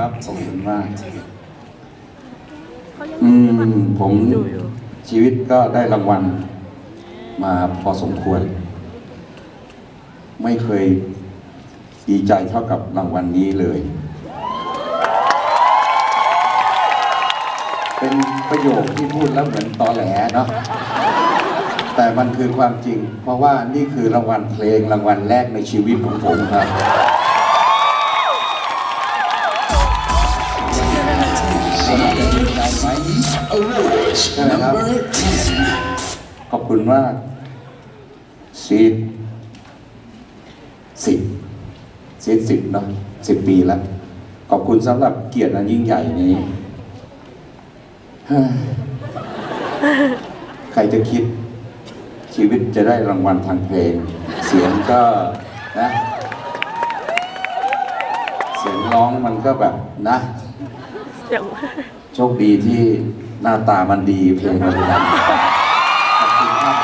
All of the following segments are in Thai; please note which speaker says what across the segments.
Speaker 1: ครับขอบคุณมากผมชีวิตก็ได้รางวัลมาพอสมควรไม่เคยดีใจเท่ากับรางวัลนี้เลยเป็นประโยคที่พูดแล้วเหมือนตอแหลเนาะแต่มันคือความจริงเพราะว่านี่คือรางวัลเพลงรางวัลแรกในชีวิตของผมครับใช่ไหมครับขอบคุณมากซีด10เนาะ10 ปีแล้วขอบคุณสำหรับเกียรติอันยิ่งใหญ่นี้ใครจะคิดชีวิตจะได้รางวัลทางเพลงเสียงก็นะเสียงร้องมันก็แบบนะโชคดีที่หน้าตามันดีเพลงมันดังขอบคุณครับ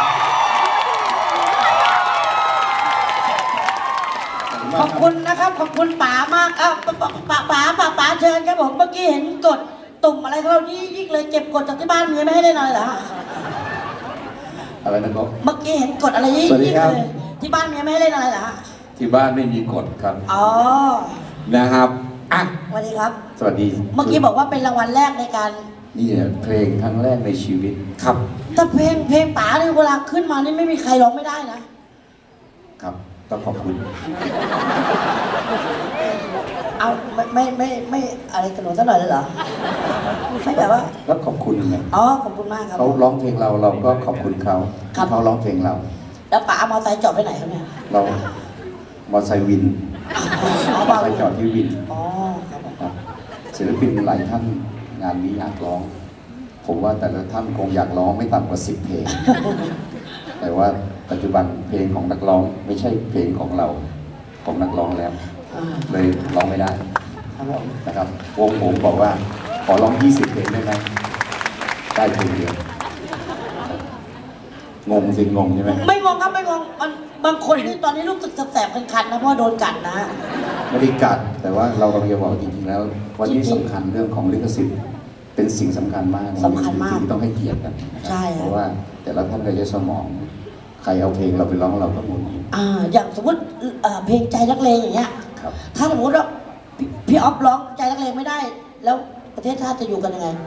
Speaker 2: ขอบคุณนะครับขอบคุณป๋ามากป๋าเชิญครับผมเมื่อกี้เห็นกดตุ่มอะไรเขายิ่งเลยเก็บกดจากที่บ้านเมียไม่ให้ได้หน่อยเหรอ
Speaker 1: อะไรนะครับ
Speaker 2: เมื่อกี้เห็นกดอะไรยิ่งเลยที่บ้านเมียไม่ให้ได้หน่อยเหรอ
Speaker 1: ที่บ้านไม่มีกฎครับ
Speaker 2: อ๋อ
Speaker 3: นะครับอ่ะ
Speaker 2: สวัสดีครับ
Speaker 1: สวัสดี
Speaker 2: เมื่อกี้บอกว่าเป็นรางวัลแรกในการ
Speaker 1: นี่เพลงครั้งแรกในชีวิต
Speaker 3: ครับ
Speaker 2: แต่เพลงป๋าเนี่ยเวลาขึ้นมานี่ไม่มีใครร้องไม่ได้นะครับ
Speaker 1: ต้องขอบคุณ
Speaker 2: เอาไม่อะไรกันหนูสักหน่อยเลยเหรอไม่แบบว่า
Speaker 1: แล้วขอบคุณไง
Speaker 2: อ๋อขอบคุณมากครับ
Speaker 1: เขาร้องเพลงเราก็ขอบคุณเขาเขาร้องเพลงเรา
Speaker 2: แล้วป๋ามอไซค์จอดไปไหนครับเนี่ย
Speaker 1: เรามอไซค์วินมอไซค์จอดที่วิน
Speaker 2: อ๋อครับ
Speaker 1: ศิลปินหลายท่านงานนี้อยากร้องผมว่าแต่ละท่านคงอยากร้องไม่ต่ำกว่า10 เพลงแต่ว่าปัจจุบันเพลงของนักร้องไม่ใช่เพลงของเราของนักร้องแล้วเลยร้องไม่ได้นะครับวงผมบอกว่าขอร้อง20 เพลงได้ไหมได้เพลงเดียวงงสิงงใช่ไหม
Speaker 2: ไม่งงครับไม่งงบางคนที่ตอนนี้รู้สึกแสบๆคันๆนะเพราะโดนกัดนะ
Speaker 1: ไม่ได้กัดแต่ว่าเรากำลังจะบอกจริงๆแล้ววันนี้สำคัญเรื่องของลิขสิทธิ์เป็นสิ่งสำคัญมาก
Speaker 2: สำคัญมาก
Speaker 1: ที่ต้องให้เกียรติกัน
Speaker 2: ใช่
Speaker 1: เพราะว่าแต่ละท่านก็จะสมองใครเอาเพลงเราไปร้องเราก็หมุน
Speaker 2: อย่างสมมติเพลงใจนักเลงอย่างเงี้ยถ้าสมมติว่าพี่ออฟร้องใจนักเลงไม่ได้แล้วประเทศชาติจะอยู่กันยังไง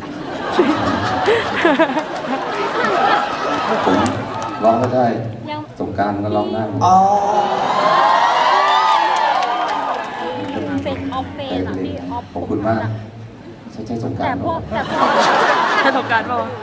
Speaker 1: ผมร้องก็ได้สงกรานต์ก็ร้องได้
Speaker 4: เป็นออฟเฟนอะพี่ออฟ
Speaker 1: ขอบคุณมากใช่สงกรานต์
Speaker 4: แต่พวกสงกรานต์ป่ะ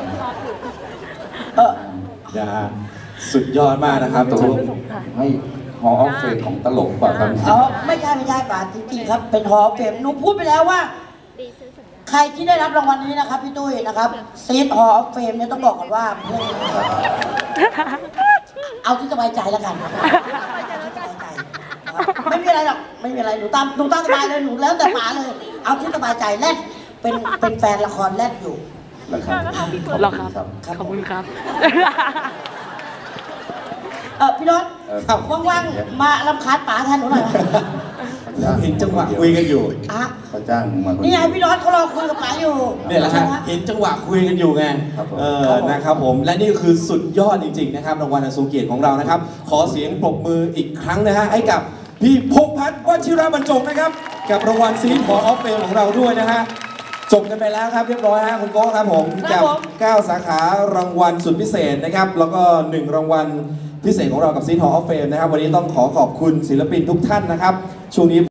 Speaker 3: สุดยอดมากนะครับตรง
Speaker 1: ให้ฮอลล์ออฟเฟมของตลกป่ะครับ
Speaker 2: ไม่ใช่ป่ะจริงๆครับเป็นฮอลล์ออฟเฟมหนูพูดไปแล้วว่าใครที่ได้รับรางวัลนี้นะครับพี่ตุ้ยนะครับซีดฮอลล์ออฟเฟมเนี่ยต้องบอกก่อนว่าเอาที่สบายใจแล้วกันไม่มีอะไรหรอกไม่มีอะไรหนูตามสบายเลยหนูแล้วแต่ป๋าเลยเอาที่สบายใจแรกเป็นแฟนละครแรกอยู่
Speaker 1: หรอครับ
Speaker 4: ขอบคุณครับ
Speaker 2: พี่รถว่างๆมารำคาญป๋าแทนหนูหน่อย
Speaker 3: เห็นจังหวะคุยกันอยู่
Speaker 1: เขาจ้างมา
Speaker 2: นี่ไงพี่รถเขารอคุยกับป๋าอยู่
Speaker 3: เนี่ยแหละฮะเห็นจังหวะคุยกันอยู่ไงนะครับผมและนี่คือสุดยอดจริงๆนะครับรางวัลอันทรงเกียรติของเรานะครับขอเสียงปรบมืออีกครั้งนะฮะให้กับพี่พงษ์พัฒน์วชิรบรรจงนะครับกับรางวัลซีดฮอลล์ออฟเฟมของเราด้วยนะฮะจบกันไปแล้วครับเรียบร้อยฮะคุณโก้ครับผมกับ9 สาขารางวัลสุดพิเศษนะครับแล้วก็1 รางวัลพิเศษของเรากับซีดฮอลล์ออฟเฟมนะครับวันนี้ต้องขอบคุณศิลปินทุกท่านนะครับช่วงนี้